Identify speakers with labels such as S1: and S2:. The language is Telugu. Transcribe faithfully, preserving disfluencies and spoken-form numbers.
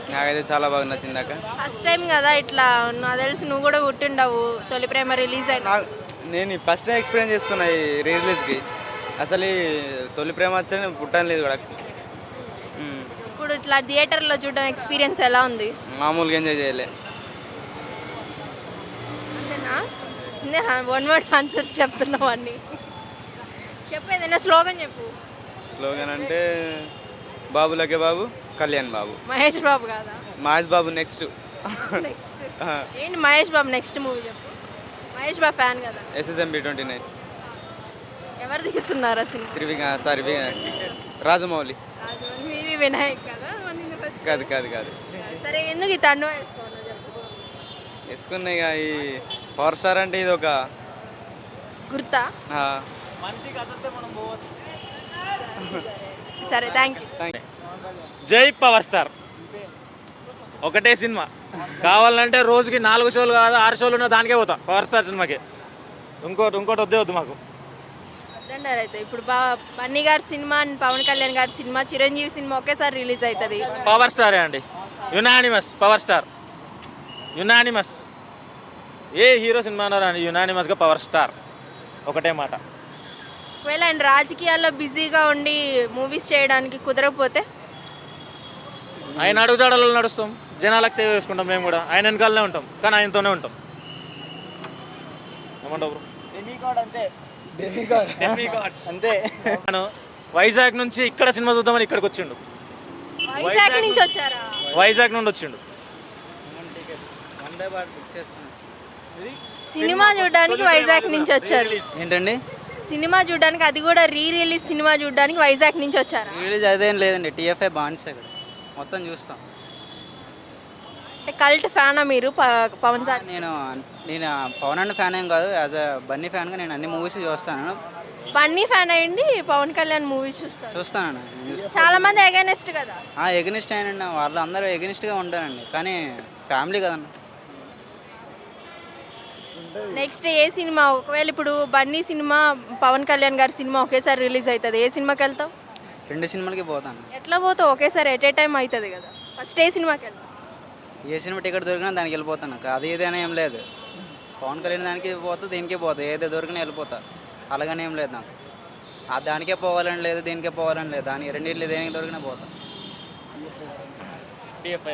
S1: నాకైతే చాలా బాగా నచ్చింది అక్క.
S2: ఫస్ట్ టైం కదా ఇట్లా, నాకు తెలిసి నువ్వు కూడా పుట్టిండవు తొలి ప్రేమ రిలీజ్ అయిన.
S1: నాకు నేను ఫస్ట్ టైం ఎక్స్పీరియన్స్ చేస్తున్నా ఈ రీ రిలీజ్కి. అసలు ఈ తొలి ప్రేమ వచ్చి నేను పుట్టని లేదు కూడా. మ్మ్.
S2: ఇప్పుడు ఇట్లా థియేటర్లో చూడడం ఎక్స్పీరియన్స్ ఎలా ఉంది?
S1: మామూలుగా ఎంజాయ్ చేయలే.
S2: అంతేనా? వన్ వర్డ్ ఆన్సర్స్ చెప్తున్నావు అన్ని. చెప్పేదైనా స్లోగన్ చెప్పు.
S1: స్లోగన్ అంటే బాబులకే బాబు, కళ్యాణ్ బాబు.
S2: మహేష్ బాబు కాదా?
S1: మహేష్ బాబు నెక్స్ట్.
S2: నెక్స్ట్ ఏంటి మహేష్ బాబు నెక్స్ట్ మూవీ చెప్పు. మహేష్ బాబు ఫ్యాన్ కదా.
S1: SSMB twenty nine.
S2: ఎవరు తీస్తున్నారు ఆ సినిమా?
S1: త్రివిక సారీ రాజమౌళి.
S2: రాజమౌళి, వివి వినాయక్ కదా. మొన్న first
S1: కాదు కాదు కాదు
S2: సరే ఎందుకు ఈ తండ్రి వేసుకోవాలో చెప్పు.
S1: వేసుకున్నాయి ఇక ఈ పవర్ స్టార్ అంటే ఇది ఒక
S2: గుర్తా?
S1: ఆ,
S2: సరే థ్యాంక్ యూ.
S1: Thank you.
S3: జై పవర్ స్టార్. ఒకటే సినిమా కావాలంటే రోజుకి నాలుగు షోలు కాదు ఆరు షోలు ఉన్న దానికే పోతాం పవర్ స్టార్ సినిమాకి. ఇంకోటి ఇంకోటి వద్దే వద్దు మాకు.
S2: వద్దంటారు అయితే. ఇప్పుడు బా బన్నీ గారి సినిమా అండ్ పవన్ కళ్యాణ్ గారి సినిమా, చిరంజీవి సినిమా ఒకేసారి రిలీజ్ అవుతుంది.
S3: పవర్ స్టారే అండి, యునానిమస్ పవర్ స్టార్. యునానిమస్ ఏ హీరో సినిమా అన్నారు అండి, యునానిమస్గా పవర్ స్టార్. ఒకటే మాట.
S2: ఒకవేళ ఆయన రాజకీయాల్లో బిజీగా ఉండి మూవీస్ చేయడానికి కుదరకపోతే?
S3: ఆయన అడుగుజాడల్లో నడుస్తాం, జనాలకు సేవ చేసుకుంటాం. మేము కూడా ఆయన వెనకాలనే ఉంటాం, కానీ ఆయనతోనే ఉంటాం. ఏమంటావు బ్రో?
S1: అంతే.
S3: నేను వైజాగ్ నుంచి ఇక్కడ సినిమా చూద్దామని ఇక్కడికి వచ్చిండు.
S2: వైజాగ్ నుంచి వచ్చారా?
S3: వైజాగ్ నుండి వచ్చిండు.
S2: సినిమా చూడడానికి వైజాగ్ నుంచి వచ్చారు.
S1: ఏంటండి
S2: సినిమా చూడడానికి, అది కూడా రీ రిలీజ్ సినిమా చూడడానికి వైజాగ్ నుంచి వచ్చారా?
S1: రిలీజ్ అదేం లేదండి, టీఎఫ్ఐ బాన్స్ ఇక్కడ మొత్తం చూస్తాం.
S2: కల్ట్ ఫ్యానా మీరు ప- పవన్ సార్?
S1: నేను నేను పవన్ అన్న ఫ్యాన్ ఏం కాదు, యాజ్ అ బన్నీ ఫ్యాన్గా నేను అన్ని మూవీస్ చూస్తాను
S2: బన్నీ ఫ్యాన్ అయ్యండి పవన్ కళ్యాణ్ మూవీస్ చూస్తారు.
S1: చూస్తానండి.
S2: చాలా మంది అగైనెస్ట్ కదా.
S1: ఎగనిస్ట్ అయినండి, వాళ్ళు అందరూ ఎగనిస్ట్గా ఉంటారండి, కానీ ఫ్యామిలీ కదన్న.
S2: నెక్స్ట్ ఏ సినిమా, ఒకవేళ ఇప్పుడు బన్నీ సినిమా పవన్ కళ్యాణ్ గారి సినిమా ఒకేసారి రిలీజ్ అవుతుంది, ఏ సినిమాకి వెళ్తావు?
S1: రెండు సినిమాలకి పోతాను.
S2: ఎట్లా పోతావు? ఒకేసారి ఎట్ ఏ టైం అవుతుంది కదా. ఫస్ట్ ఏ సినిమాకి వెళ్తావు?
S1: ఏ సినిమా టికెట్ దొరికినా దానికి వెళ్ళిపోతాను. అది ఏదైనా ఏం లేదు, పవన్ కళ్యాణ్ దానికి పోతా దీనికే పోతా, ఏదో దొరికినా వెళ్ళిపోతా. అలాగనే ఏం లేదు నాకు. ఆ దానికే పోవాలని లేదు, దీనికే పోవాలని లేదు, దానికి రెండింటిలో దేనికి దొరికినా పోతా.